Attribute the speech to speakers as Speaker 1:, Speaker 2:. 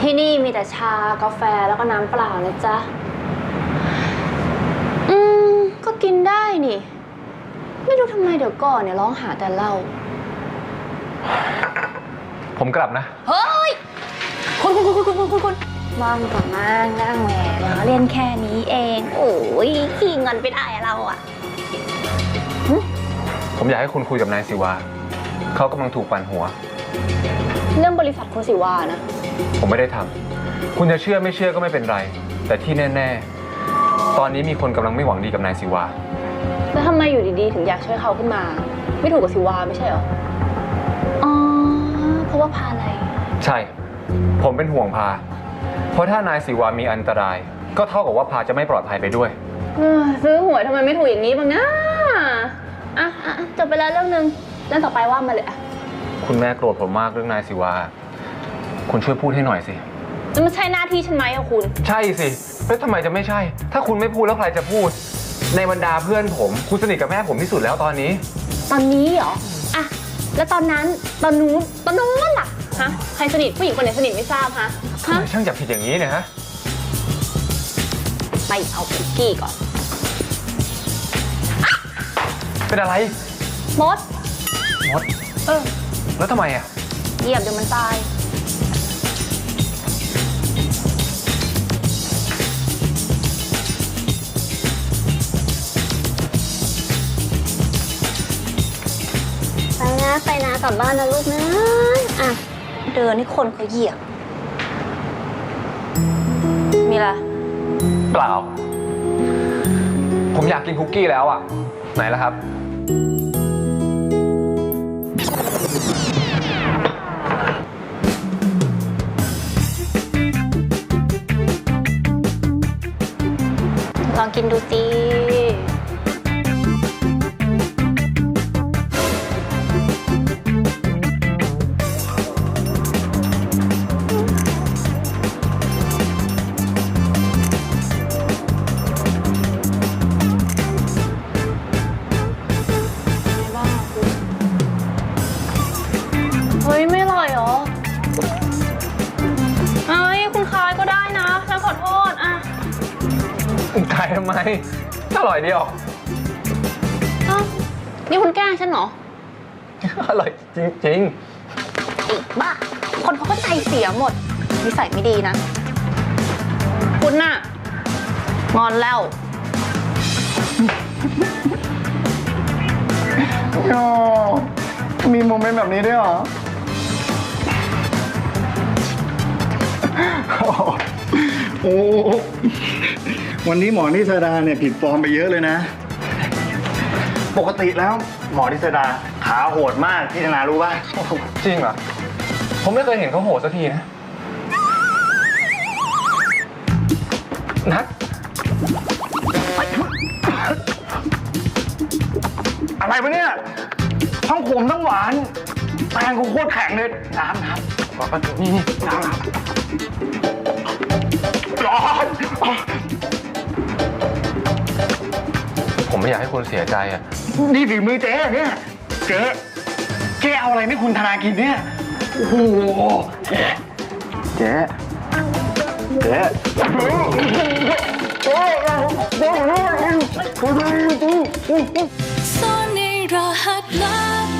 Speaker 1: ที่นี่มีแต่ชากาแฟแล้วก็น้ำเปล่านะจ๊ะก็กินได้นี่ไม่รู้ทำไมเดี๋ยวก่อนเนี่ยร้องหาแต่เหล้า
Speaker 2: ผมกลับนะ
Speaker 1: เฮ้ยคุณว่างก่อนนั่งแหมเล่นแค่นี้เองโอ้ยขี้เงินไปได้เราอะ
Speaker 2: ผมอยากให้คุณคุยกับนายศิวาเขากำลังถูกปั่นหัว
Speaker 1: เรื่องบริษัทคุณศิวานะ
Speaker 2: ผมไม่ได้ทำคุณจะเชื่อไม่เชื่อก็ไม่เป็นไรแต่ที่แน่ๆตอนนี้มีคนกำลังไม่หวังดีกับนายศิวา
Speaker 1: แล้วทำไมอยู่ดีๆถึงอยากช่วยเขาขึ้นมาไม่ถูกกับศิวาไม่ใช่เหรออ๋อเพราะว่าพาอะไร
Speaker 2: ใช่ผมเป็นห่วงพาเพราะถ้านายศิวามีอันตรายก็เท่ากับว่าพาจะไม่ปลอดภัยไปด้วย
Speaker 1: ซื้อหวยทำไมไม่ถูกอย่างนี้บ้างนะอ่ะจบไปแล้วเรื่องนึงเรื่องต่อไปว่ามาเลยอะ
Speaker 2: คุณแม่โกรธผมมากเรื่องนายศิวาคุณช่วยพูดให้หน่อยสิ
Speaker 1: จะไม่ใช่หน้าที่ฉันไหมอะคุณ
Speaker 2: ใช่สิแล้วทำไมจะไม่ใช่ถ้าคุณไม่พูดแล้วใครจะพูดในบรรดาเพื่อนผมคุณสนิทกับแม่ผมที่สุดแล้วตอนนี้
Speaker 1: เหรออะแล้วตอนนู้นล่ะฮะใครสนิทผู้หญิงคนไหนสนิทไม่ทราบฮะ
Speaker 2: ทำไมช่างจับผิดอย่างนี้เนี่ยฮะ
Speaker 1: ไปเอาคุกกี้ก่อน
Speaker 2: เป็นอะไร
Speaker 1: มด
Speaker 2: แล้วทำไมอ่ะ
Speaker 1: เหยียบเดี๋ยวมันตายไปนะกลับบ้านนะลูกนะอ่ะเดินให้คนเขาเหยียบมีอะไร
Speaker 2: เปล่าผมอยากกินคุกกี้แล้วอ่ะไหนล่ะครับ
Speaker 1: ลองกินดูสิเฮ้ยไม่อร่อยเหรอเอ้ยคุณคายก็ได้นะฉันขอโทษอ่ะ
Speaker 2: ขายทำไมอร่อยดีออก
Speaker 1: นี่คุณแกล้งฉันเหรอ
Speaker 2: อร่อยจริง
Speaker 1: ๆอีกบ้าคนเขาก็ใจเสียหมดนิสัยไม่ดีนะคุณน่ะงอนแล้ว
Speaker 3: มีโมเมนต์แบบนี้ด้วยเหรอโอ้วันนี้หมอนิสดาเนี่ยผิดฟอร์มไปเยอะเลยนะปกติแล้วหมอนิสดาขาโหดมากพี่ธนารู้ป่ะ
Speaker 2: จริงเหรอผมไม่เคยเห็นเขาโหดสักทีนะนัท
Speaker 3: อะไรวะเนี่ยทั้งขมทั้งหวานแป้งกูโคตรแข็งเลยน้ำ
Speaker 2: บอกกันนี่
Speaker 3: น้ำร้อน
Speaker 2: ผมไม่อยากให้คุณเสียใจอ่ะ
Speaker 3: นี่ฝีมือเจ๊เนี่ยเจ๊เอาอะไรไม่คุณธนากินเนี่ยโอ้โหเจ๊
Speaker 4: ซ่อนในรหัสลับ